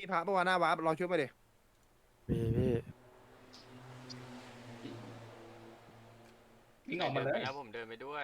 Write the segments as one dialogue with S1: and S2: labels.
S1: พระปะวะหน้าวาร์ปลองช่วยมาดิ
S2: มีพี่
S3: วิ่งออกมาเลย
S4: แล้วผมเดินไปด้วย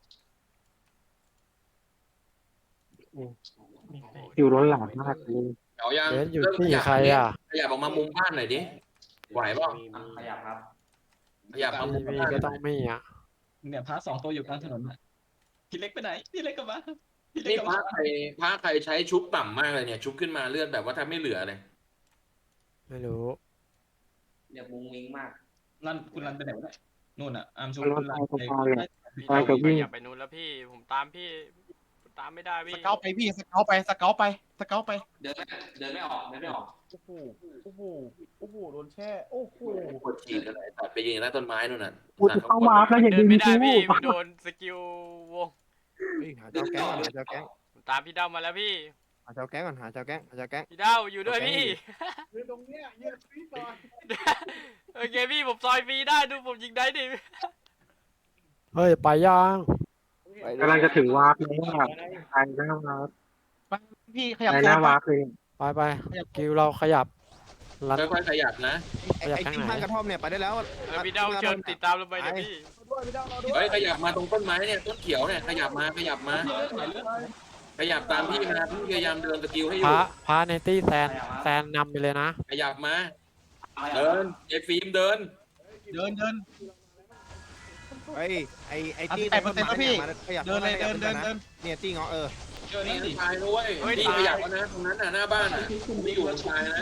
S4: โอ้โห
S5: คิวล้นหลามมากเลย
S3: เอายัง
S2: เบสอยู่
S3: เริ่มข
S2: ที่
S3: ยับ
S2: ใครอ่ะ
S3: ขยับออกมามุมบ้านหน่อยดิไหวป่ะ
S6: ขยับครับ
S3: ขยับมามุม
S2: มี
S3: บ้าน
S2: ก็ต้องมีอ่ะ
S6: เนี่ยพระ2 ตัวอยู่กลางถนนน่ะพี่เล็กไปไหนพี่เล็กกลับมาพี่เล็ก
S3: นี่
S6: กลับ
S3: พระ
S6: มา
S3: ใครใช้ชุบต่ำมากเลยเนี่ย ชุบขึ้นมาเลือดแบบว่าแทบไม่เหลือเลย
S2: ไม่รู้
S5: เรียกมุ้งมิ้งมาก
S6: รันคุณรันไปไหนวะเนี่ยนู่นอ่ะอาร์มชู
S5: รถ
S6: คุณรัน
S5: ไฟฟ้าเลย
S4: พี่
S5: ไป
S4: เรา
S5: กับวิ่ง
S4: อย่าไปนู้นแล้วพี่ผมตามพี่ผมตามไม่ได้พี่
S7: สเกลไปพี่สเกลไปสเกลไปสเกลไป
S5: เดินไม่ออกเดินไม่ออก
S7: โอ้โหโอ้โหโอ้โหโดนแช่โอ้โห
S3: กดฉีดกันเลยตัดไปยืนใต้ต้นไม้นู่นน่ะ
S5: กูจะเข้ามาแล้วอย่า
S4: เดิ
S5: ดึ
S4: น
S5: ง
S4: ไม่ได้
S5: กู
S4: พี่โดนสกิลวง
S1: เฮ้ยหาเจ้าแก๊งก่อนหาเจ้าแก๊ง
S4: ผมตามพี่เด้ามาแล้วพี่
S1: หาเจ้าแก๊งก่อนหาเจ้าแก๊งหาเจ้าแก๊ง
S4: พี่เด้าอยู่ด้วยพี่
S7: ยืนตรงเนี้ยยืนพี่ต่อย
S4: โอเคพี่ผมซอยฟรีได้ดูผมยิงได้ดิ
S2: เฮ้ยไปยัง
S5: กำลังจะถึงวาร์ปแล้วไปหน้าวาร์ป
S7: พี่ขยับ
S5: ไป
S7: โซ
S5: หน้าน วาร์ปเลย
S2: ไปกิวเราขยับรัน
S3: ค่อยๆขยับนะ
S1: ไอ้กิ้งข้างกระท่อมเนี่ยไปได้แล้ว
S4: พี่เด้าเชิญติดตามเราไปนะพี่
S7: ด้วยพี่ดาวเราด้วย
S3: เฮ้ยขยับมาตรงต้นไม้เนี่ยต้นเขียวเนี่ยขยับมาขยับมา ขยับตามพี่มาพี่พยายามเดินสกิลให้อ
S2: พ
S3: ยู่
S2: ระในตี้แซนนำไปเลยนะ
S3: ขยับมา เดินไอ้ฟิล์มเดิน
S7: เดินเดิน
S1: ไอ้ตี้
S7: 18%แล้วพี่
S1: ขยับ
S7: เดินเลยเดินเดินเดิน
S1: เนี่ยตี้เงาะ
S3: เจอนี่ตายด้วยนี่ขยับแล้วนะตรงนั้นน่ะหน้าบ้านน่ะไม่อยู่ตายนะ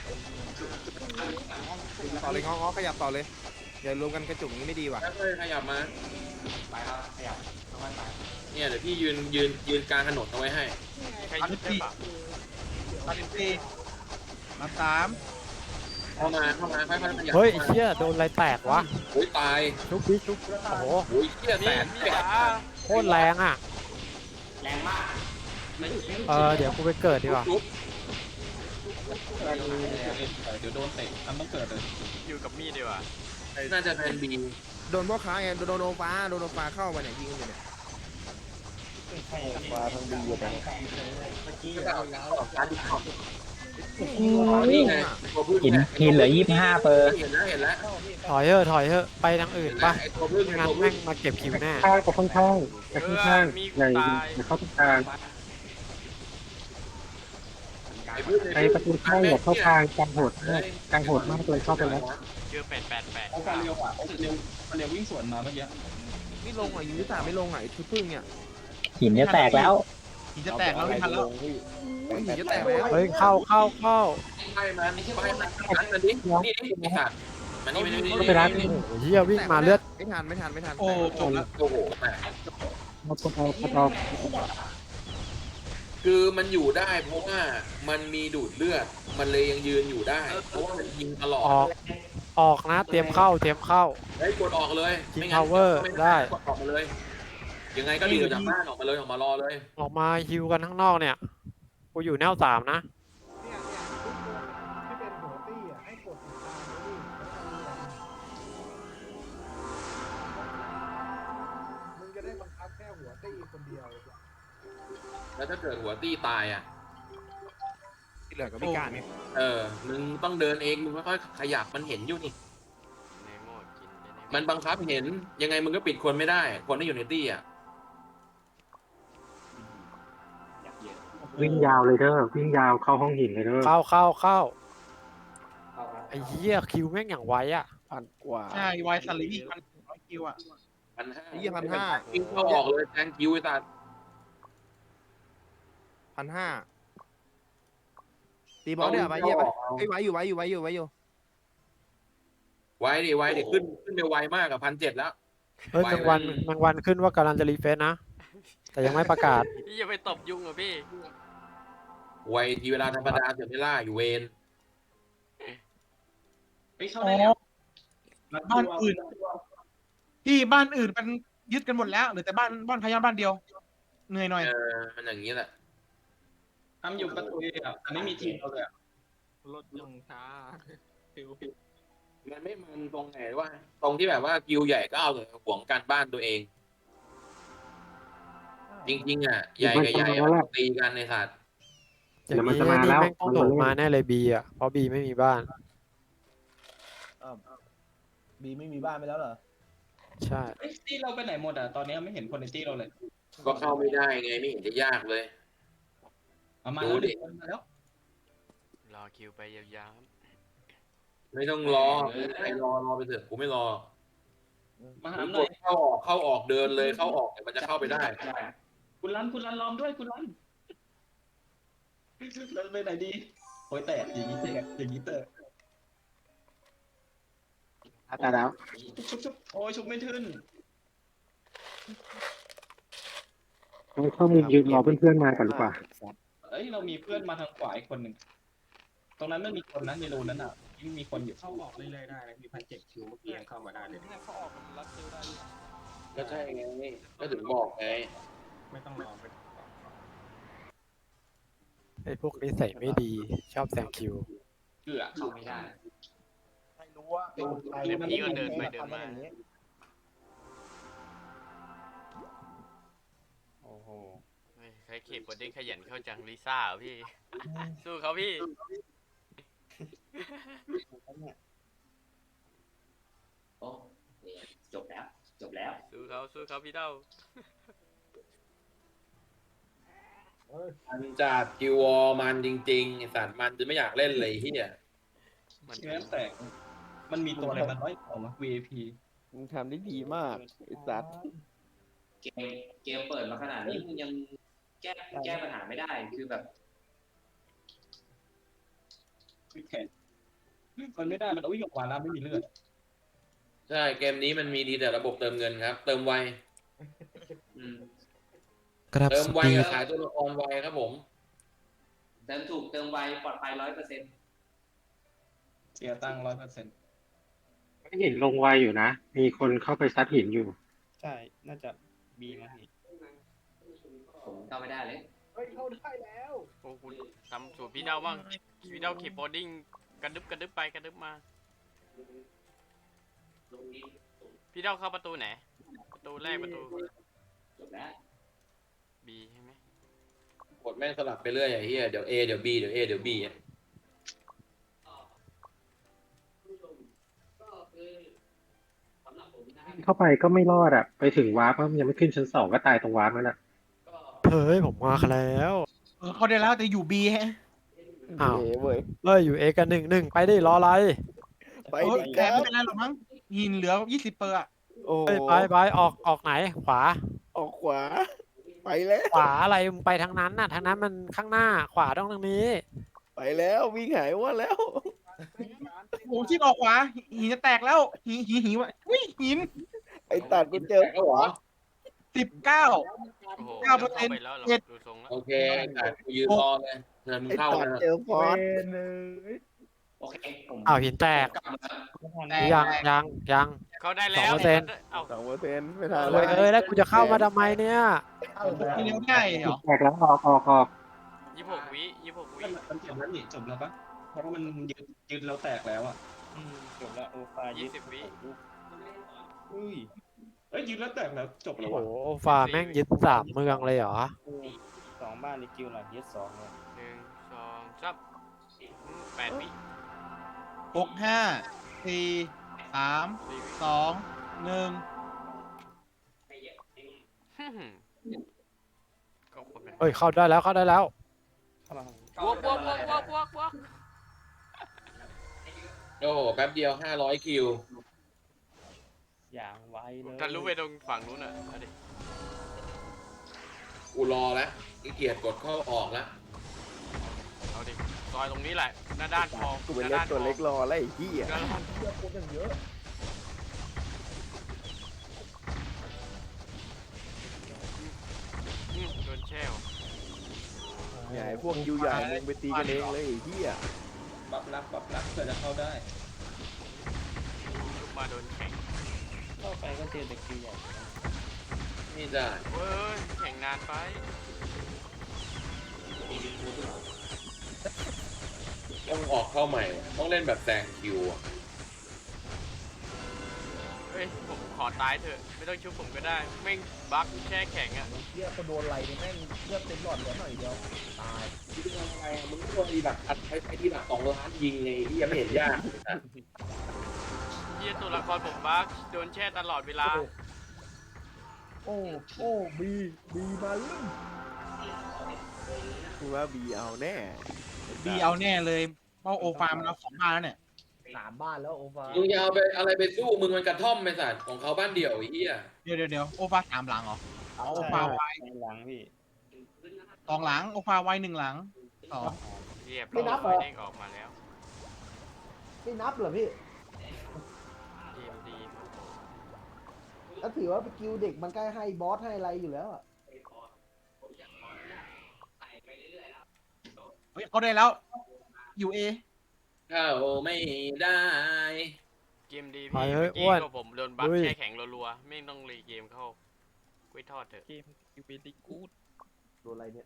S1: ต่อเลยเงาะขยับต่อเลยอย่ารวมกันกระจุกนี้ไม่ดีว่ะ
S3: ค่อยๆขยับมา
S5: ไปครับขยับเข้ามาไป
S3: เนี่ยเดี๋ยวพี่ยืนกลางถนนเอาไว้ให้
S4: ใครยิงได้ปะ
S7: มา3
S3: เข้ามาค่อยๆขยับ
S2: เฮ้ยไอ้เชี่ยโดนอะไรแตกวะ
S3: โอ้ยตาย
S2: ชุบดิชุบโอ้โห
S3: โอ้ยเหี้ยแส
S4: นี่
S3: น
S4: พี่
S3: แปด
S4: จ๋า
S2: โคตรแรงอ่ะ
S5: แรงมาก
S2: เดี๋ยวกูไปเกิดดีกว่า
S3: ทุบ
S6: เดี๋ยวโดนเตะทำต้องเกิดเลย
S4: อยู่กับมีดดีกว่า
S3: น่าจะแทนบี
S1: โดนพ่อค้าไงโดนโนฟ้าเข้ามาเนี่ยยิงอยู่เนี่ย
S5: ฟ้าทั้งดีอยู่นะ
S3: นี่ไงตัวพึ่ง
S5: หินเหลือ25เปอร์
S3: เห็นแล้ว
S2: ถอยเถอะไปทางอื่นปะ
S3: ไอ้ตัวพึ่ง
S2: ไม่
S3: ไอ้
S2: งั้น
S3: ตัว
S2: แม่
S3: พึ่ง
S2: งมาเก็บคิวแน่
S5: ข้างกับข้างแต่ข้าง
S4: มี
S5: ใหญ่
S4: ตาย
S5: เข้าตรงกลาง
S3: ไอ้พึ่ง
S5: ไอ้ประตูเข้าอย่าเข้ากลางกลางโหดมากกลางโหดมากเลยเข้าไปแล้ว
S4: เจอ888
S6: โอ้ฟาเรียวอ่ะโอ้เร็ววิ่งสวนมาเมื่อกี้
S1: ไม่ลงอ่ะยิงยุทธาไม่ลงอ่ะไอ้ชุดพึ่งเนี่ย
S5: หินจะแตกแล้ว
S7: หินจะแตกแล้วไม่ทันแล้ว
S1: หินจะแตกแล้ว
S2: เฮ้ยเข้า
S3: ไปมันนั่นดินี่ไอ้สัตว์มันนี่
S5: ก็ไปร้าน
S2: โอ้โหเฮียวิ่งมาเลือด
S1: ไม่ทัน
S7: โอ้จบแล้ว
S3: โอ้โหแม่
S5: มาตรงเอา
S3: คือมันอยู่ได้เพราะว่ามันมีดูดเลือดมันเลยยังยืนอยู่ได้เพราะว่ามันยิงตลอด
S2: ออกนะเตรียมเข้า
S3: เฮ้ยกดออกเลย
S2: King
S3: ไม่งั้น
S2: Power ได้
S3: กดออกมาเลย ยังไงก็ดีกว่าจากบ้านออกมาเลยออกมารอเลย
S2: ออกมาฮิวกันข้างนอกเนี่ยกูอยู่แนว3นะ
S7: ที่เป็นหัวตี้อ่ะให้กดติดตามมึงจะได้บังคับแค่หัวตี้คนเดียว
S3: แล้วถ้าเกิดหัวตี้ตายอ่ะ
S1: ที่เหลือก็พิการไง
S3: มึงต้องเดินเองมึงค่อยๆขยับมันเห็นอยู่นี่
S4: ในโหมดกินในโหมด
S3: มันบังคับเห็นยังไงมึงก็ปิดคนไม่ได้ คนที่อยู่ในตี้อ่ะ
S5: วิ่งยาวเลยเด้อวิ่งยาวเข้าห้องหินเลยเด้อ
S2: เข้าไอ้เหี้ยคิวแม่งอย่างไวอ่ะ
S7: ใช่วายสลี1,100 คิวอ่ะ
S3: 1,500
S1: 1,500
S3: วิ่งเข้าออกเลยแทงคิวไอ้สัตว์
S1: 1,500ตีบอลเนี่ยไปเยี่ยไปไอ้ไว้อยู่
S3: ไว้ดิขึ้นไปไวมากกับ1,700แล้ว
S2: เฮ้ยแมงวันขึ้นว่ากำลังจะรีเฟซนะ แต่ยังไม่ประกาศ
S4: พี่อย่าไปตบยุงเหรอพี่
S3: ไวทีเวลาธรรมดาเสียไม่ล่าอยู่เวร
S6: ไปเข้าได้แล้ว
S7: บ้านอื่นที่บ้านอื่นมันยึดกันหมดแล้วเหรือแต่บ้านพยาบ้านเดียวเหนื่อยหน่อย
S3: มันอย่างนี้แหละ
S6: ทำอยู่ประตูอ่ะแต่ไม่มีทีมเราเลย
S4: รถยังช้าฟิว
S3: มันไม่มันตรงไหนว่า ตรงที่แบบว่ากิวใหญ่ก็เอาแต่ห่วงการบ้านตัวเอง จริงๆอ่ะใหญ่กับใหญ่อะตีกันในสัตว์
S2: อย่าง
S5: เดี๋ยวมัน
S2: นี้
S5: จะมา
S2: นี่
S5: แล้ว
S2: แม่งต้อง
S5: มัน
S2: โถ
S5: จะ
S2: ม
S5: เล่น
S2: มาแน่เลยบีอ่ะเพราะบีไม่มีบ้าน
S8: บีไม่มีบ้านไปแล้วเหรอ
S2: ใช่
S6: เอ้ยตี้เราไปไหนหมดอ่ะตอนนี้ไม่เห็นคนในตี้เราเลย
S3: ก็เข้าไม่ได้ไงไม่เห็นจะยากเลย
S6: เอามา
S3: ดู
S6: แล้ว
S3: ดิ
S6: มาแล้ว
S4: รอคิวไปยาว
S3: ไม่ต้องรอใครรอไปเถอะกูไม่รอ
S6: มาหา
S3: ผม
S6: ห
S3: ก
S6: น่อย
S3: ดเข้าออกเดินเลยเข้าออกเนี่ยมันจะเข้าไปได้
S6: คุณรันล้อมด้วยคุณรันเราไปไหนดีโอ้ยแตกอย่างนี้แตกอย่างนี้แตก
S5: ตายแล้ว
S6: ชุบโอ้ยชุบไม่ขึ้น
S5: เข้ามุมยืนรอเพื่อนๆมาก่อนดีกว่า
S6: เอ้ยเรามีเพื่อนมาทางขวาอีกคนหนึ่งตรงนั้นไม่มีคนนะในรูนั้นอ่ะไม่มีคนอยู่
S9: เข้าออกเรื่อยๆได้นะมี1,700คิวเมื่อกี้ยังเข้ามาได้เลย
S1: เขาออกมันรัดคิวได้อยู่
S3: ก็ใช่ไงก็ถึงบอกไง
S9: ไม่ต้องรอไป
S2: ไอ้พวกนิสัยไม่ดีชอบแซงคิว
S6: เกือเข้าไม่ได้
S8: ไม่รู้ว่าเป็นใคร
S4: ๆเดี๋ยวพี่ก็เดินไปเดินมา
S1: โอ้โห
S4: เฮ้ยใครเข็บบดเด้งขยันเข้าจังลิซ่าเหรอพี่ สู้เขาพี่
S6: โอ้จบแล้วจบแล้ว
S4: สู้เขาพี่เต้า
S3: มันจัดกิววอลมันจริงๆไอ้สัตว์มันจะไม่อยากเล่นเลยที่เนี่ย
S4: มัน
S6: เชื้อแตกมันมีตัวอะไรมันร้อยของ VIP
S1: มึงทำได้ดีมากไอ้สัตว์
S10: เกมเปิดมาขนาดนี้มึงยังแก้ปัญหาไม่ได้คือแบบ
S6: แขนมันไม่ได้มันเอาวิ่งออกมาแล้วไม่มีเลือด
S3: ใช่เกมนี้มันมีดีแต่ระบบเติมเงินครับ เติมไว
S2: ครับ
S3: เติม
S2: ส
S3: ไว
S2: ปี
S3: กับ
S2: ด
S3: ขายตัวละครไวครับผม
S10: เติมถูกเติมไวปลอดภัย100%
S6: เสียตังค์100%
S5: ไม่เห็นลงไวอยู่นะ มีคนเข้าไปซัดหินอยู่
S1: ใช่ น่าจะบีมาพี่
S10: ผมเข้าไม่ได้เลย
S8: เฮ้ยเข้าได้แล้ว
S4: โอ้คุณทำสูตรพี่เต้าบ้างพี่เต้าขีบบดดิ้งกระดึบไปกระดึบมาพี่เต้าเข้าประตูไหนประตูแรกประตู
S10: จบแล้ว
S4: บีใช่ไหม
S3: กดแม่งสลับไปเรื่อยไอ้เหี้ยเดี๋ยว A เดี๋ยว B เดี๋ยว A เดี๋ยว B อ่ะ
S5: เข้าไปก็ไม่รอดอ่ะ ไปถึงวาร์ปก็ยังไม่ขึ้นชั้น 2ก็ตายตรงวาร์ปนั่นแหละ
S2: เฮ้ยผมมาแล้ว
S7: เขาได้แล้วแต่อยู่บีฮะ
S2: อ้าว
S1: เว้ย
S2: เอ้ยอยู่เอกัน1-1ไปได้รออะไร
S1: ไป
S7: เออ
S1: ดิ
S7: แต่
S1: ครั
S7: ไม่
S1: บ
S7: เป็นไรหรอกมั้งหินเหลือ20 เปอร์อะ
S1: โอ้โห
S2: เฮ้ยไปออกไหนขวา
S1: ออกขวา ไปแล้ว
S2: ขวาอะไรมึงไปทางนั้นน่ะทางนั้นมันข้างหน้าขวาต้องทางนี้
S1: ไปแล้ววิ่งหายว่าแล้ว
S7: ผมชิดออกขวาหินจะแตกแล้วหินวะอุ้ยหิน
S1: ไอ้ตัดกูเจอ
S3: แต่ก็เหรอ
S7: 19
S4: โอ้โห
S7: 9%
S4: เข้าไปแล้วเหรอ
S7: เจ็ด
S4: ดูทรงแล้ว
S3: โอเคแต่กูยืนรอเลยเธอมึง
S1: ไอ้
S3: เข้า
S1: ตัด
S3: นะ
S1: เจอฟอส
S10: โอเคผม
S2: อ้าวหินแตก
S10: กลับมา
S7: แตก
S2: ยัง
S4: เขาได้แล้ว
S2: 2%
S4: เอ้า
S1: 2%ไม่ทัน
S2: เฮ้ยเอ้ยแล้วกูจะเข้ามาทำไมเนี่ย
S7: ที่เลี้ยวได้เหรอ
S5: แตกแล้วออก
S4: 26 วิ26 วิ
S6: มันจบแล้วนี่จบแล้วปะเพราะว่ามันยืนเราแตกแล้วอ่ะ
S1: จบแล้วโอฟา
S4: 20 วิ
S1: อุ้ย
S6: เอ้ยยืนแล้วแตกแล้วจบแล้ว
S2: โอ้
S6: วะ
S2: โหฟาแม่งยึด3 เมืองเลยเหรอ
S1: 2 บ้านในคิวหลังเยส2เลย
S4: 1 2 3 8 วิ
S7: 6 5 4 3 2 1
S4: ก็คนเป็น
S2: เฮ้ยเข้าได้แล้ว
S4: บวก
S3: โอ้โหแป๊บเดียว500คิว
S1: อย่างไวเลย
S4: ทะลุไปตรงฝั่งนู้นอ่ะเอาดิ
S3: กูรอแล้วขี้เกียจกดเข้าออกแล้ว
S4: เอาดิซอยตรงนี้แหละหน้าด้านพอ
S1: กูเป็นเล็กตัวเล็กรอแล้วไอ้เหี้ย
S4: หน้าด้านโดนแช่ว
S1: ใหญ่พวกยูใหญ่มึงไปตีกันเองเลยไอ้เหี้ย
S6: บับรักเพื่อจะเข้าได้
S4: ลุกมาโดนแข่ง
S1: เข้าไปก็เจอแต่คิวใหญ่
S3: นี่ได้
S4: เว้ยแข่งนานไป
S3: ต้องออกเข้าใหม่ว่ะต้องเล่นแบบแซงคิวอ่ะ
S4: เฮ้ฮ้ยผมขอตายเถอะไม่ต้องชุบผมก็ได้แม่งบั๊กแช่แข็งอ่ะ
S8: เฮียคนโดนอะไรเนี่ยแม่งเลือดเต็มหลอดเหลือหน่อยเดียวตาย
S3: มึงโดนดีแบบอัดไปที่แบบ2 ล้านยิงไงที่ยังไม่เห็นยาก
S4: เหี้ยตัวละครผมบั๊กโดนแช่ตลอดเวลา
S8: โอ้บีมาลุ่ม
S1: กูว่าบีเอาแน่
S7: บีเอาแน่เลยเพราะโอฟาร์มเรา2 บ้านแล้วเนี่ย
S8: 3 บ้านแล้วโอฟา
S3: มึงจะเอาไปอะไรไปสู้มึงมันกระท่อมไปสัตว์ของเขาบ้านเดี่ยวไอ้เหี้ย
S7: เดี๋ยวโอฟา3 หลังเหรออ๋อโอฟาไว้
S1: หลังพี่
S7: 2 หลังโอฟาไว้1 หลังอ๋อ
S4: เรียบร้อยเด้งออกมาแล้ว
S8: ไม่นับเหรอพี่
S4: ทีมดี
S8: แล้วถือว่าเป็นกิลเด็กมันใกล้ให้บอสให้อะไรอยู่แล้วอ่ะ
S7: เฮ้ยเขาได้แล้วอยู่เอ
S3: เข้าไม่ได้
S4: เกมดี
S2: ไป
S4: พี่
S2: เฮ้
S4: เมื่
S2: ย
S4: อกี้
S2: อ้วน
S4: ก็ผมโดนบั๊ก
S2: ลุย
S4: แช่แข็งรัวๆไม่ต้องรีเกมเข้ากล้วยทอดเถอะ
S8: โดนอะไรเนี่ย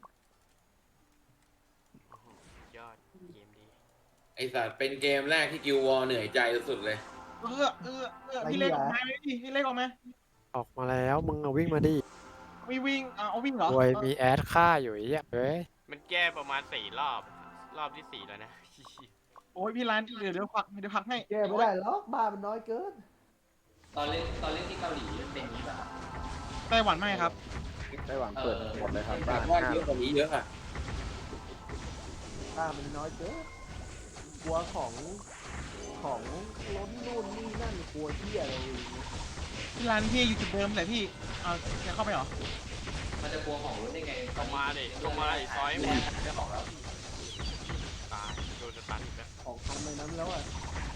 S4: ยอดเกมดี
S3: ไอสัตว์เป็นเกมแรกที่กิววอร์เหนื่อยใจสุดเลย
S7: พี่เล็กออกมาไหมพี่เล็กออกมา
S2: ออกมาแล้วมึงเอาวิ่งมาดิ
S7: วิ่งเอาวิ่งเหรอ
S2: โวยมีแอดฆ่าอยู่ไอ้เหี้ยเฮ้ย
S4: มันแก้ประมาณ4 รอบ รอบที่ 4 แล้วนะ
S7: โอ้ยพี่ร้านเดี๋ยวพักให้
S8: แก้ไม่ได้หรอกบ้านมันน้อยเกิน
S10: ตอนเล่นที่เกาหลีเป็นอย่างนี้ป่ะครับ
S7: ไต้หวันไม่ครับ
S1: ไต้หวันเปิดหมดเลยครับ
S3: แต่ว่าเยอะกว่านี้เยอะอ่ะ
S8: บ้านมันน้อยเกินกลัวของล้นนู่นนี่นั่นกลัวเที่ยอะไรอย่างเงี้ย
S7: พี่ร้านพี่อยู่จุดเดิมแหละพี่เอาจะเข้าไปเหรอ
S10: มันจะกลัวของรุ่นได้ไง
S4: ลงมาดิลงมาดิซอยหมด
S10: จะบอกแล้ว
S4: ตายโดนสตันอีกแล้ว
S8: ของทำในนั้นแล้วอ่ะ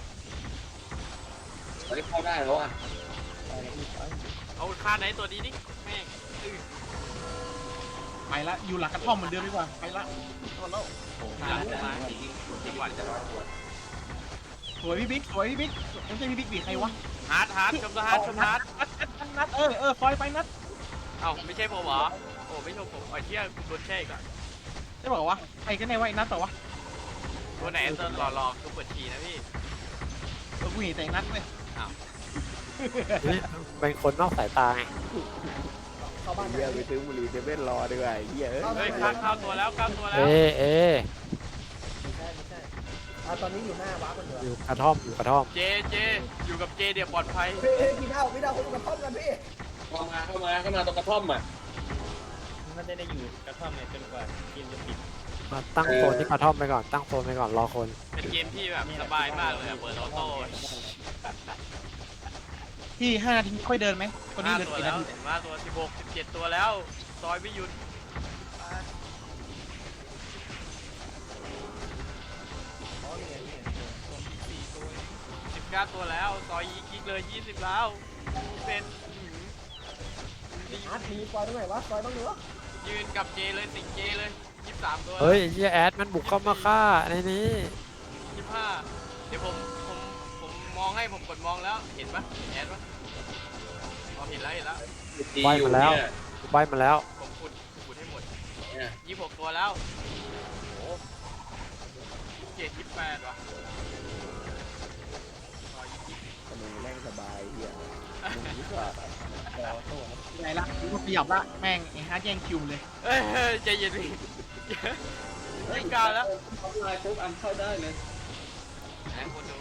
S3: ตอนนี้เข้าได้แล้วอ่ะ
S8: ไปแล้วพี่ไป
S4: เอาฆ่าไหนตัวนี้ดิแม่งอื้อ
S7: ไปละอยู่หลังกระท่อมเหมือนเดิมดีกว่าไปละหมดแล้ว
S4: หลังมาจังหวัด
S7: สวยพี่บิ๊กไม่ใช่พี่บิ๊กบีใครวะ
S4: ฮาร์ดชมฮาร์ด
S7: นัดฟอยไปนัด
S4: เอ้าไม่ใช่ผมเหรอโอ้ไม่ใช่ผมไอ้เที่ยโดนแช่อีกอ่ะ
S7: ได้บอกว่าไอ้กันไหนวะไอ้นัดต่อวะ
S4: ตัวไหนตัวหล่อๆคือเปิดทีนะพี่
S7: กูเห็นแต่นัดเลย
S2: นี่เป็นคนนอกสายตาไง
S8: เข้าบ้าน
S1: เฮียไปซื้อบุหรี่เซเว่นรอดีกว่าไอ้เฮียเอ้ย
S4: เฮ้ยเข้าตัวแล้ว
S2: เอ
S4: เข้าตัวแล้ว
S2: เอ
S8: ไม่ใช่ตอนนี้อยู่หน้าวัดมันเหรอ
S2: อยู่กระท่อมอยู่กระท่อม
S4: เจอยู่กับเจเดี๋ยวปลอดภัย
S8: พี่เท่าคนกระท่อมกันพี่
S3: เข้ามาตรงกระท่อมอ่ะ
S9: มันจะได้อยู่กระท่อมเนี่ยจนกว่าเกมจะปิด
S2: มาตั้งโซนที่กระท่อมไปก่อนตั้งโซนไปก่อนรอคน
S4: เป็นเกมที่แบบสบายมากเลยอะเปิดออโต้
S7: พี่5 นาทีค่อยเดินไหมตอนนี้
S4: 5
S7: เหลือ
S4: ตัว
S7: กี่
S4: แล้
S7: นาว ที
S4: มาตัว16 17ตัวแล้วซอยไม่หยุด19 ตัวแล้วซอยยิกเลย20แล้วเป็นดี
S8: อาร์ตมีซอยตรงไหนวะซอยบ้างเหรอ
S4: ยืนกับเจเลยสิงเจเลย23 ตัว
S2: เฮ้ยไอ้เหี้ยแอดมันบุกเข้ามาฆ่าในนี้
S4: 25เดี๋ยวผมมองให้ผมกดมองแล้วเห็นปะเห็นแอดปะอ๋อเห็นแล้ว
S3: ดีอยู่เนี่ย
S2: ใบมาแล้ว
S4: ผมขุดให้หมด
S3: เนี่ย
S4: 26 ตัวแล้วโอ้27 28ว่ะซอยยิก
S1: ขนมแม่งสบายเฮียมึงนี่ก็
S7: ไหนละกูขยับละแม่งไอ้ฮาร์ดแย่งคิวเลย
S4: เอ้ยใจเย็นดิไม่กล้าแล้ว
S6: ทำลายปุ๊บอันเข้าได้เลย
S4: ไหนคนดู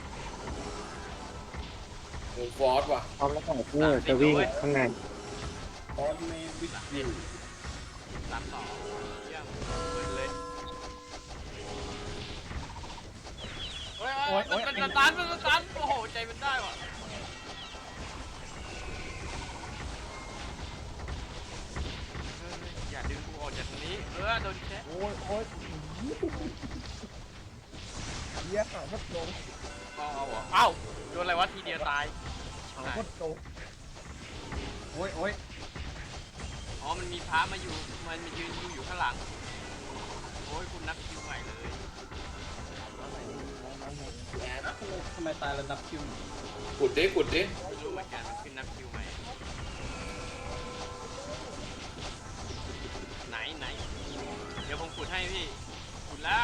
S3: มึงฟอสว่ะ
S5: พร้อมแล้วก็จะวิ่งข้างใน
S6: ออนเมวิดวิว
S4: 32เยี่ยมเปิดเลยโอ้ยมันสตันโอ้โหใจมันได้ว่ะอย่าดึงกูออกจากตรงนี้โดนแชะ
S8: โอ้ยเฮียข่าวพัดลง
S4: เอาเหรอเอ้าโดนอะไรวะทีเดียวตาย
S8: ข่าวพัดลง
S7: โอ้ย
S4: อ๋อมันมีพระมาอยู่มันมายืนอยู่ข้างหลังโอ้ยคุณนับคิวใหม่เลย
S6: ทำไมตายแล้วนับคิว
S3: ขุดดิ
S4: ไม่รู้เหมือนกันมันขึ้นนับคิวใหม่ไหนเดี๋ยวผมขุดให้พี่ขุดแล้ว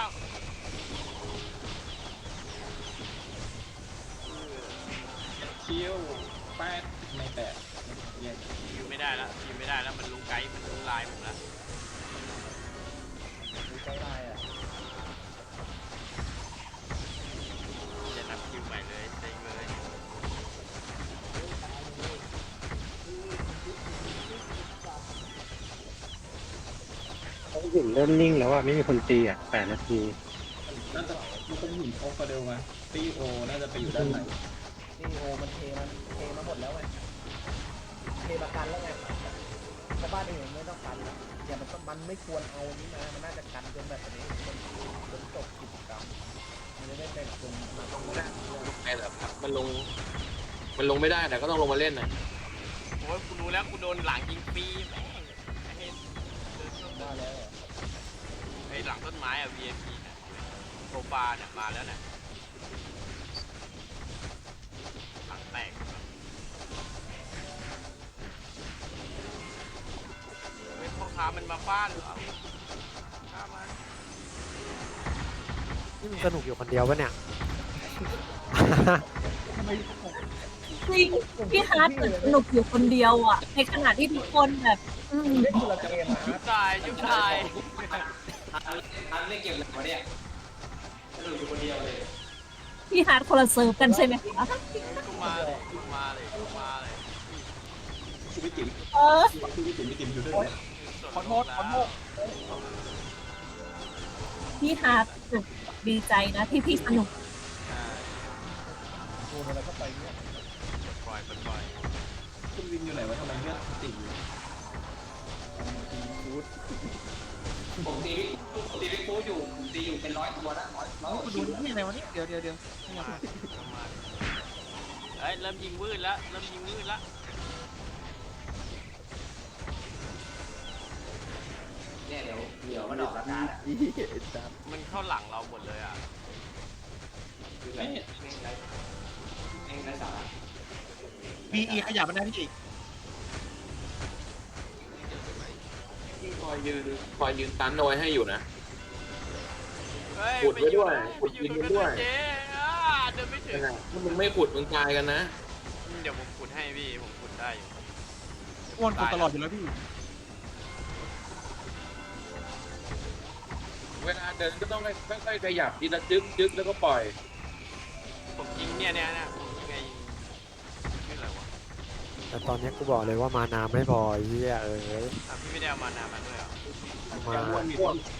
S6: คิวไปแปดไม่แปดเย็น
S4: ยิงไม่ได้แล้วยิงไม่ได้แล้วมันรู้ไกด์มันรู้ลายผมแล้ว
S8: ดูใจลายอ่ะ
S4: จะนับคิวใหม่เลยเซ็งเลย
S5: ห้องหินเริ่มนิ่งแล้วอ่ะไม่มีคนตีอ่ะ8 นาที
S6: น่าจะมันเป็นหินโอฟาเดลมาตีโอน่าจะไปอยู่ด้านไหน
S8: นี่โอมันเทมาหมดแล้วไงเทมากันแล้วไงแต่บ้านอื่นไม่ต้องกันแล้วอย่ามันไม่ควรเอานี้มามันน่าจะกันจนแบบนี้จนจบกิจกรรมมันจะได้เป็นคนมาตรงนี้
S3: ไอ้แบบมันลงไม่ได้แต่ก็ต้องลงมาเล่นนะ
S4: โอ้ยกูรู้แล้วกูโดนหลังยิงฟรีแม่งไอ้เห็นเดินเข้ามา
S8: ว่าแล้ว
S4: ไอ้หลังต้นไม้อะ VIP น่ะโซฟาเนี่ยมาแล้วน่ะหลังแตกเฮ้ยพ่อค้ามันมาฟาดเหรอฆ่ามัน
S2: นี่มึงสนุกอยู่คนเดียวปะเนี่ย
S11: พี่ฮาร์ดเหมือนสนุกอยู่คนเดียวอ่ะ ในขณะที่ทุกคนแบบ
S8: เล่นคนละเกมอ่ะ
S4: ยุบตายยุบตาย
S10: ทันไม่เก็บเลยวะเนี่ยสนุกอยู่คนเดียวเลย
S11: พี่ฮาร์ดคนละเซิร์ฟกันใช่ไหมคะ
S4: กูมาเลยกูมาเลยกูมาเลย
S6: ชีวิตจิ๋ม
S11: เออ
S6: ชีวิตจิ๋มมีจิ๋มอยู่ด้วยไหม
S7: ขอโทษ
S11: พี่ฮาร์ดดีใจนะที่พี่สนุก
S8: โดนอะไรก็ไปเนี่ย
S4: ปล่อยปล่อย
S6: คุณวินอยู่ไหนวะทำไมเลือดติ่งอยู่
S10: ผมตีวิฟูอยู่ผมตีอยู่เป็น100 ตัวแล้วร้อย
S7: กูดูนี่อะไรวะนี่เดี๋ยว
S4: มาเฮ้ยเริ่มยิงวืดแล้วเริ่มยิงวืดแล้ว
S10: เนี่ยเดี๋ยวมันออกอากาศ
S4: มันเข้าหลังเราหมดเลยอ่ะ
S10: คือแบบเองไรสาระ
S7: BE ขยับมันได้พี่
S3: ที่คอยยืนตันเอาไว้ให้อยู่นะ
S4: เฮ้ย
S3: ขุดไว้ด้วยขุด
S4: ไป
S3: ดิน
S4: อยู่
S3: ไว้
S4: ตรง
S3: ด้วย
S4: นั้นเจ๊เดินไม่ถึง
S3: ถ้ามึงไม่ขุดมึงตายกันนะ
S4: เดี๋ยวผมขุดให้พี่ผมขุดได้อยู่
S7: อ้วนกูตลอดอยู่แล้วพี่
S3: เวลาเดินก็ต้องค่อยๆขยับทีละจึ๊กแล้วก็ปล่อย
S4: ผมยิงเนี่ยผมยิงไงชื่ออะไรวะ
S2: แต่ตอนนี้กูบอกเลยว่ามานาไม่พอไอ้เหี้ยเอ้ย
S4: พี่ไม่ได้เอามานามาด้วยเหรอ
S2: เอามา
S6: อ้วนมี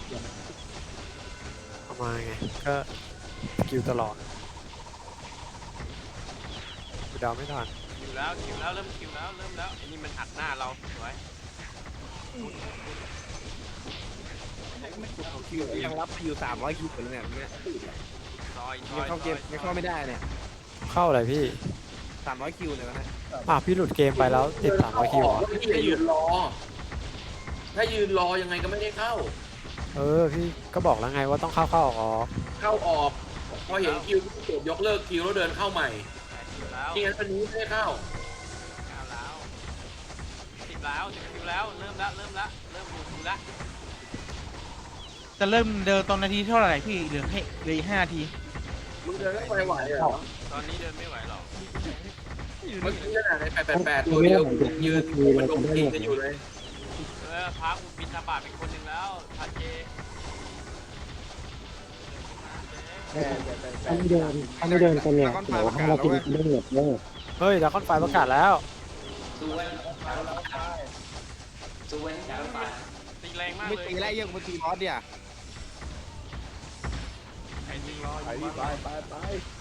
S2: เอามาไงก็สกิลตลอดกูเดาไม่ทัน
S4: คิวแล้วเริ่มคิวแล้วเริ่มแล้วไอ้นี่มันหักหน้าเราสวย
S1: คิวยังรับคิว300คิวอยู่เลยเนี่ย
S4: ซอย
S1: ยังเข้าเกมยังเข้าไม่ได้เนี่ย
S2: เข้าอะไรพี่
S1: 300คิวเลยนะ
S2: พี่หลุดเกมไปแล้วติด300คิวเหรอ
S3: พี่ให้ยืนรอ ถ้ายืนรอยังไงก็ไม่ได้เข้า
S2: พี่ก็บอกแล้วไงว่าต้องเข้าออก
S3: เข้าออก พอเห็นคิวกดยกเลิกคิวแล้วเดินเข้าใหม่
S4: คิวแล้ว
S3: ที่งั้นวันนี้ไม่ได้เข้า
S4: แล้ว10แล้ว10คิวแล้วเริ่มดูคิวแล้ว
S7: จะเริ่มเดินตอนนาทีเท่าไหร่พี่เหลืออีก5 นาที
S3: มึงเดินแล้วไปไหวเหรอ
S4: ตอนนี้เดินไม่ไหวหรอก
S3: เมื่อกี้ขนาดใน888ตัวเดียวยืนมันลงตีกันอยู่เลย
S4: พากูบินทบาทเป็นคนหนึ่งแล้วทันเจ
S5: ถ้าไม่เดินกันเนี่ยเดี๋ยวให้เรากินเรื่องเหยียบเลย
S2: เฮ้ยดราก้อนไฟประกาศแล้ว
S10: สู้เว้นสู้เว้นจากรถไฟ
S4: ตีแรงมาก
S1: ไม่
S4: เลย
S1: ตีไล่เยอะกว่าตีมอสเดีย
S4: ใครตีรอ
S8: ไปไป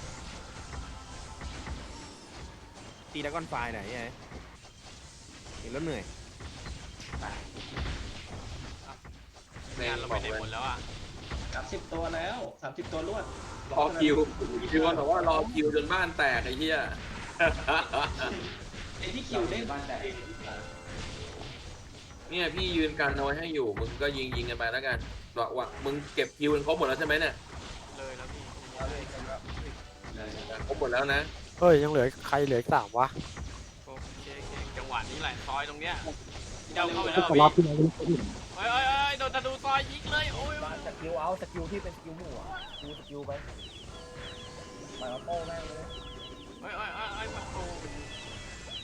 S1: ตีแล้วก้อนไฟไหนไงเห็นแล้วเหนื่อย
S4: งานเราไปไหนหมดแล้วอ่ะ
S6: 30 ตัวแล้ว30 ตัวรวด
S3: รอคิวพี่ว่าบอกว่ารอคิวจนบ้านแตกไอ้เหี้ย
S6: ไอ้ที่คิวเล่น
S10: บ้านแต่
S3: เนี่ยพี่ยืนกันเอาไว้ให้อยู่ มึงก็ยิงกันไปแล้วกันบอกว่ามึงเก็บคิวกันครบหมดแล้วใช่ไหมเนี่ย
S4: เลยแล้วพี่
S3: ครบหมดแล้วนะ
S2: เฮ้ยยังเหลือใครเหลืออีก3วะ
S4: โอเคจังหวะนี้แหละซอยตรงเนี้ยเดาเข้าไปแล้ว
S5: ก็
S4: พี่
S5: รอบที่แล้ว
S4: เฮ้ยโดนธนูซอยยิงเลยโอ้ย
S8: สกิลเอาสกิลที่เป็นสกิลหมู่อ่ะสกิลไปมาโป้แม่งเลย
S4: เฮ้ยประตู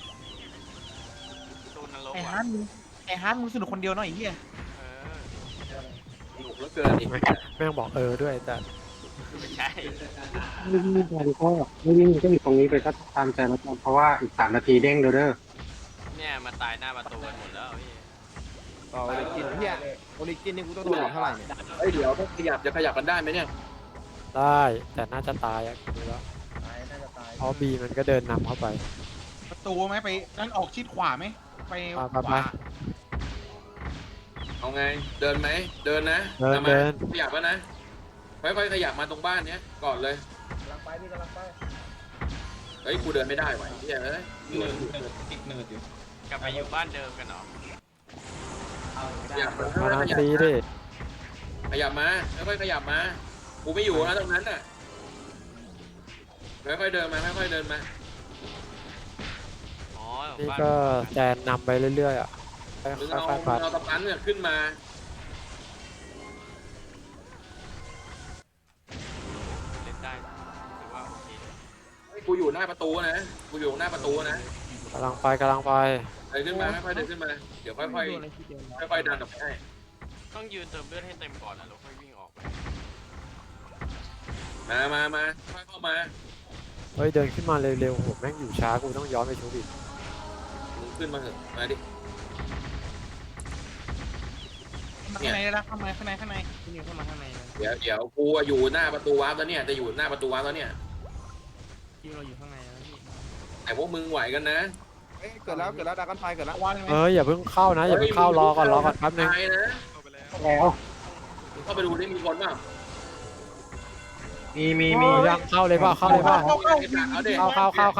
S4: มันลบ
S7: ไอ้
S4: ว่ะ
S7: ฮาร์ดมึงสนุกคนเดียวเนาะไอ้เหี้ย
S4: เออ
S3: สนุกเหลือเกินอีก
S2: แม่งบอกด้วยแต่
S4: ไม่ใช่
S5: ไม่วิ่งไปก็ไม่วิ่งก็อยู่ตรงนี้ไปก็ตามใจแล้วกันเพราะว่าอีก3 นาทีเด้งเด้อ
S4: เนี่ยมาตายหน้าประตูกันหมดแล้วพี่
S1: ต่อโอริจินเฮียโอริจินนี่กูต้องโดนอีกเท่าไหร่เนี่ย
S3: เฮ้ยเดี๋ยวถ้าขยับจะขยับกันได้ไหมเนี่ย
S2: ได้แต่น่าจะตายอ่ะดูแล้ว
S8: ตายน่าจะตาย
S2: เพราะบีมันก็เดินนำเข้าไป
S7: ประตูไหมไปนั่นออกชิดขวาไหมไป
S2: ไป
S7: ขวา
S3: เอาไงเดินไหมเดินนะ
S2: เดิน
S3: อามา
S2: เดิน
S3: ขยับแล้วนะค่อยๆขยับมาตรงบ้านเนี้ยก่อนเลย
S8: กำลังไปพี่กำลังไป
S3: เฮ้ยกูเดินไม่ได้ไหวะไอ้เหี้ยเอ้ย
S6: เนิร์ดติดเนิร์ดอยู่
S4: กลับไปอยู่บ้านเดิมกันเหรอ
S3: ขยับมา
S2: มานา
S3: ขยับ
S2: ซีดิ
S3: ขยับมาค่อยๆขยับมากูไม่อยู่นะตรงนั้นน่ะค่อยๆเดินมาค่อยๆเดินมา
S4: อ๋อ
S2: นี่
S4: บ้าน
S2: ก็แจนนำไปเรื่อยๆอ่ะ
S3: มึง
S2: ค่
S3: เอา
S2: อยๆปัด
S3: ตะปันเนี่ยขึ้นมา
S4: เล่นได้ถือว่าโอเค
S3: เฮ้ยกูอยู่หน้าประตูนะกูอยู่หน้าประตูนะ
S2: กำลังไปเ
S3: เดินขึ้นมาค่อยๆเดินขึ้นมาเดี๋ยวค่อยๆค่อยๆดันออกไปให้
S4: ต้องยืนเติมเลือดให้เต็มก่อนแล้วเราค่อยวิ่งออกไป
S3: มาค่อยเข้ามา
S2: เฮ้ยเดินขึ้นมาเร็วๆโหแม่งอยู่ช้ากูต้องย้อนไปชุบอีก
S3: มึงขึ้นมาเถอะมาดิ
S7: ข้างในเลยนะข้างใน
S9: พี่นิวเข้ามาข้างในนะ
S3: เดี๋ยวกูอะอยู่หน้าประตูวาร์ปแล้วเนี่ยจะอยู่หน้าประตูวาร์ปแล้วเนี่ย
S9: พี่เราอยู่ข้างในแล้วพี่
S3: แต่พวกมึงไหวกันนะ
S1: เอ้ยเกิดแล้วดราก้อนไฟเกิดแล้ว
S7: วางเลยไหม
S2: อย่าเพิ่งเข้านะอย่าเพิ่งเข้ารอก่อนแป๊บนึง
S3: ตายนะ
S5: ๆแล้ว
S3: มึงเข้าไปดูได้มีคนเปล่า
S5: มี
S2: ยังเข้าเลยเปล่าเข้าเลยเปล่า
S3: เอาเด็ก
S2: เข้า
S3: เข้า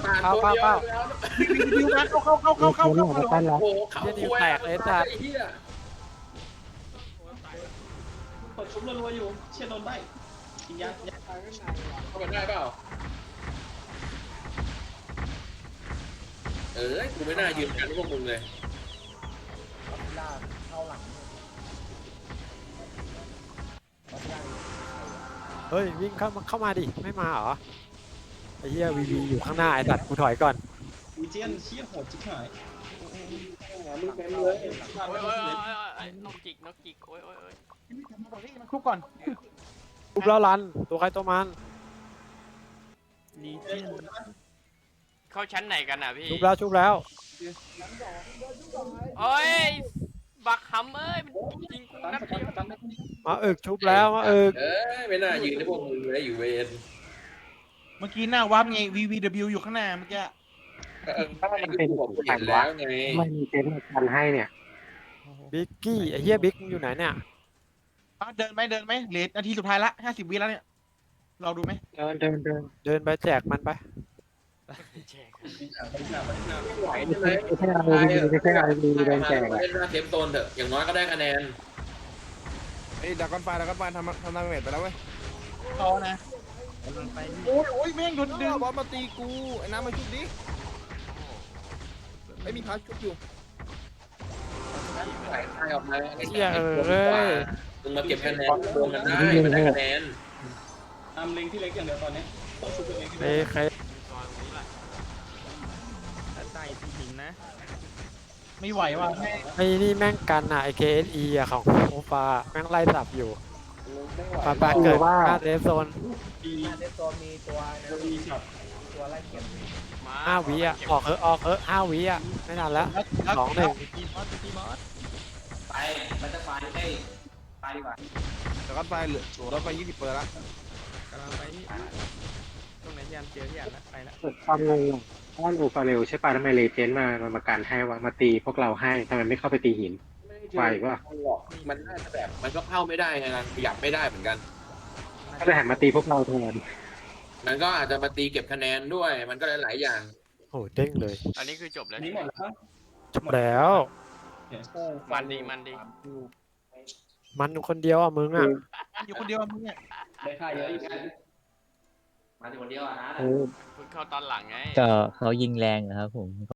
S7: ดิวนะเข้า
S5: มีคนหลังปั้นแล้ว
S3: โอ้โหเขา
S2: เหี้ยนิวแตกเลยสัตว์
S3: ไอ้เหี้ย
S6: เปิดชุบรัวๆอยู่เชี่ยโดนได้กินยา
S3: เข้าไปได้เปล่ากูไม่น่ายืนกันพวกมึงเลย
S8: เอาพิล่าเข้าหลังเอาพิล่า
S2: เฮ้ยวิ่งเข้ามาดิไม่มาเหรอไอ้เหี้ยวีอยู่ข้างหน้าไอ้สัตว์กูถอยก่อน
S6: วีเจียนเชี่ยโหดจิ๊กหาย
S3: มึงเต็มเลย
S4: โอ้ยนกจิกโอ้ย
S7: มันคุกก่อน
S2: ชุบแล้วรันตัวใครตัวมัน
S9: ลีเจียน
S4: เข้าชั้นไหนกันอ่ะพี่
S2: ชุบแล้ว
S4: โอ้ยบักหำเอ้ยมันยิงกู
S6: ตัน
S4: นัด
S6: ส
S4: เดียว
S6: ตันได้
S2: มาชุบแล้วมา
S3: ไม่น่ายืนให้พวกมึงเลยอยู่เวร
S7: เมื่อกี้หน้าวับไง VVW อยู่ข้างหน้าเมื่อกี้
S5: ถ้ามันเป็น
S3: บอกกู
S5: แข่
S3: เห็
S5: ง
S3: น
S5: วะ
S3: แล้วไง
S5: ไม่มีเต็นท์กันให้เนี่ย
S2: บิ๊กกี้ไอ้เหี้ยบิ๊กอยู่ไหนเนี่ย
S7: เดินไหมเหลือนาทีสุดท้ายละ50 วิแล้วเนี่ยเราดูไหม
S5: เดิน
S2: เดินไปแจกมันไป
S4: แจก
S3: ไม่ไหวเลย
S5: ไม่ใช่เอาดีเดินแจก
S3: เล่นหน้าเทปโซนเถอะอย่างน้อยก็ได้คะแนน
S1: เอ้ยดราก้อนไฟทำดาเมจไปแล้วเว้ย
S7: ต่อนะ
S9: กำลังไปพี่
S7: โอ้ยแม่งโดนดึง
S1: บอสมาตีกูไอ้น้ำมาชุบดิไม่มีพาชุบอยู่
S3: ใส่ทายออกมา
S2: เหี้ยย
S3: มึงมาเก็บคะแนนรวมกันได้มันได้คะแนน
S6: อามเล็งที่เล็กอย่างเดียวตอนนี้ต้องชุบตัวเองที่
S2: เอ้
S6: เล็ก
S2: ใคร
S4: ซอยตรงนี้แหละ
S9: ถ้าใต้พี่หิงนะ
S7: ไม่ไหวว่ะแม่ง
S2: ไอ้นี่แม่งกันอ่ะไอ้ KSE อ่ะของโอฟาแม่งไล่สับอยู่ปาเกิดหน้าเดฟโซน
S8: หน้าเดฟโซนมีตัวตัวไล่เก็บ
S4: มา
S2: 5 วิอ่ะออก5 วิอ่ะไม่นานแล้ว2-1
S9: ตีบอสตีบอส
S10: ไปมันจะไฟได้ไปดีกว่า
S1: ดราก้อนไฟเหลือรถไป20 เปอร์แล้ว
S9: กำลังไปพี่ตรงไหนที่อันเจอที่อันละไปละ
S5: เกิดความงงอ้อนอูฟาเรลใช่ป่ะทำไมเลเจนด์มากันให้วะมาตีพวกเราให้ทำไมไม่เข้าไปตีหิน ไหวปะ
S3: มันน่าจะแบบมันก็เข้าไม่ได้ไงขยับไม่ได้เหมือนกัน
S5: ก็เลยหันมาตีพวกเราแทน
S3: มันก็อาจจะมาตีเก็บคะแนนด้วย มันก็หลายๆอย่าง
S2: โอ้เด้งเลย
S4: อันนี้คือจบแล้ว
S6: นี่หมดแล้ว
S2: จบแล้ว
S4: มันดี
S2: มันคนเดียวอ่ะมึงอ่ะ
S7: อยู่คนเดียวมึงเนี่ย
S6: ได้ค่าเยอะอีก
S10: มาถึงคนเดียวอะฮะ
S4: เพิ่งเข้าตอนหลังไง
S12: ก็เขายิงแรงนะครับผม